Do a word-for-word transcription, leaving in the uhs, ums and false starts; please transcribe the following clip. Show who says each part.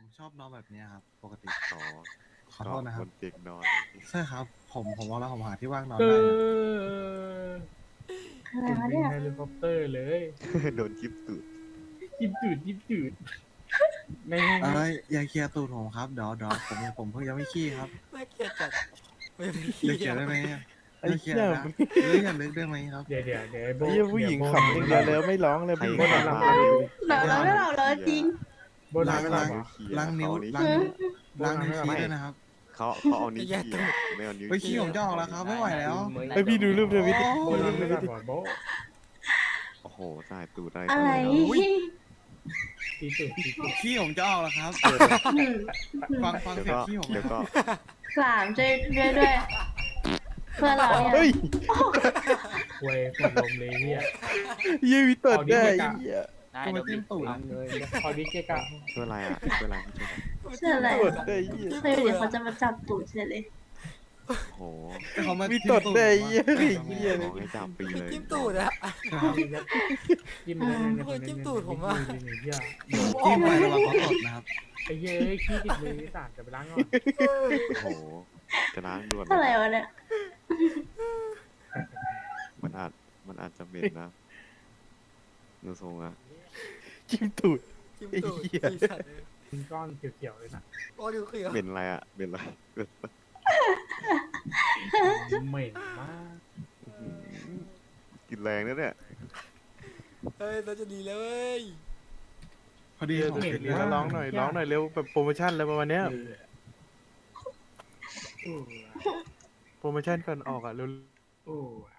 Speaker 1: ชอบนอนแบบเนี้ยครับปกติ
Speaker 2: อ๋อ
Speaker 1: ขอโทษนะค
Speaker 2: บ
Speaker 1: รับ
Speaker 2: นเตียงนอน
Speaker 1: ใช่ครับ ผมผมว่าแล้วผมหาที่ว่างนอน
Speaker 3: เอ
Speaker 1: ได้นะ
Speaker 3: อ
Speaker 4: อะไร
Speaker 3: คุณ
Speaker 4: วะ
Speaker 3: วิ่
Speaker 4: เนี่
Speaker 3: ง
Speaker 4: ย
Speaker 3: เฮลิคอปเตอร์เลย
Speaker 2: โดนจิบตูด
Speaker 3: ยิบจืดยิบจืดไม่
Speaker 1: เอ้
Speaker 3: ไม่
Speaker 1: ยอย่าเคลียร์ตูดผมครับเดี๋ยวเดี๋ยวผมผมเพิ่งยังไม่ขี้ครับ
Speaker 5: น่าเกลียดจัดไม่มี
Speaker 1: อย่าเคลียร์ได้ไหม
Speaker 6: ไอ้
Speaker 1: อย่าเคลีย
Speaker 6: เหี้ย
Speaker 1: ร์นะหรืออย่าลึกได้ไหมครับ
Speaker 3: เดี๋ยวเดี๋ยวเดี๋ยวไอ้โบ
Speaker 6: ไอ้เหี้ยผู้หญิง
Speaker 3: เดี๋ยว
Speaker 6: ขับ
Speaker 3: โบ
Speaker 6: อย่างเดียวแล้วไม่ร้องเลย
Speaker 2: ใคร
Speaker 6: ผู้หญิง
Speaker 3: โบ
Speaker 2: ใคร
Speaker 3: นอนหลับ
Speaker 2: มา
Speaker 3: ไม่ได้
Speaker 4: เราเราไม่เราเลยจริง
Speaker 3: โบนอนไม่หลับเหรอ
Speaker 1: ล้างนิ้ว
Speaker 2: เข
Speaker 1: ล้างนิ้ว
Speaker 3: โบ
Speaker 1: ล้าง
Speaker 3: นอน
Speaker 1: นิ้ว
Speaker 3: ไม่หลับ
Speaker 1: ชี้ด้วยนะครับ
Speaker 2: เขาเขาเอานิ้วชี้อะไม่เอานิ้ว
Speaker 1: เฮ้ยขี้ผมจะออกแล้วครับไม่ไหวแล้ว
Speaker 6: ไอพี่ดูรูปทวิตดิ
Speaker 3: โบ
Speaker 6: ดู
Speaker 3: นอ
Speaker 6: รู
Speaker 3: น
Speaker 6: ปท
Speaker 3: ไม่ห
Speaker 6: วิ
Speaker 3: ลั
Speaker 6: ต
Speaker 3: บ
Speaker 6: ดิ
Speaker 3: เหรอโบ
Speaker 2: โอ้โหสายตูดอะไร
Speaker 4: อะไร
Speaker 3: ตีตุดตีตุด
Speaker 1: ขี้ผมจะออกแล้วครับ
Speaker 4: อืม
Speaker 1: ฟังฟัง
Speaker 2: เดี๋ยว
Speaker 1: เสียง
Speaker 2: ก็
Speaker 1: ขี้ผม
Speaker 2: เดี๋ยวก็
Speaker 4: สามช่วยด้วยด้วย เพื่อนเราเนี่ย
Speaker 6: เฮ้ย
Speaker 3: ควยขวดลมเลยเฮีย
Speaker 6: เหี้ยวิตดได้
Speaker 3: เอาดิ
Speaker 6: ไอ้เหี้ย
Speaker 1: ก็มาจิ้มตูด
Speaker 3: คอยดิเกะกะ
Speaker 2: ช่วยอะไรอ่ะช่วยอะไรช่วยอะไร
Speaker 4: เชื่ออะไร
Speaker 6: ตดได้ไอ้เหี้ย
Speaker 4: ไม่เดี๋ยวเขาจะมาจับตูดเฉยเลย
Speaker 2: โอ้โห
Speaker 1: เขามา
Speaker 6: วิ
Speaker 1: จิ้
Speaker 6: ต
Speaker 1: ม
Speaker 6: ด
Speaker 1: ตูด
Speaker 6: ได้
Speaker 1: ผม
Speaker 6: ไอ้เหี้ย
Speaker 1: อะ
Speaker 6: ไอ้เหี้ย
Speaker 2: ขอให้จับปีเลย
Speaker 5: จิ้มตูดอะ
Speaker 3: จิ้มเลยเนี่ย
Speaker 5: โอ้ยจิ้มตูดผมอะ
Speaker 3: เฮีย
Speaker 1: จิ้มไประวังเขาตดนะครับ
Speaker 3: ไอ้เหี้ยเอ้ยขี้ติดมือไอ้สัตว์จะไปล้างก่อน
Speaker 2: โอ้โหจะล้างด่วน
Speaker 4: อะไรวะเนี่ย
Speaker 2: มันอาจมันอาจจะเหม็นนะนูทรงอะ
Speaker 6: จิ้มตูด
Speaker 5: จิ้มตูด
Speaker 6: ไอ้เหี้ย
Speaker 5: ไอ้สัตว์เลย
Speaker 3: เป็นก้อนเขียวๆเลยนะ
Speaker 5: โอ้ดูเขียว
Speaker 2: เหม็นอะไรอ่ะเหม็นอะไร
Speaker 3: เหม็นมาก
Speaker 2: อื้อหือกินแรงนะเนี่ย
Speaker 5: เฮ้ยเราจะดีแล้วเว้ย
Speaker 1: พอดี
Speaker 6: เดี๋ยว
Speaker 1: ผม
Speaker 6: เดี๋
Speaker 1: เห็
Speaker 6: ยวน เดี๋ยวร้องหน่อยร้องหน่อยเร็วแบบโปรโมชั่นอะไรประมาณเนี้ย
Speaker 3: เออเออ
Speaker 6: โปรโมชั่นก่อนออกอ่ะเร็ว
Speaker 3: โอ้ย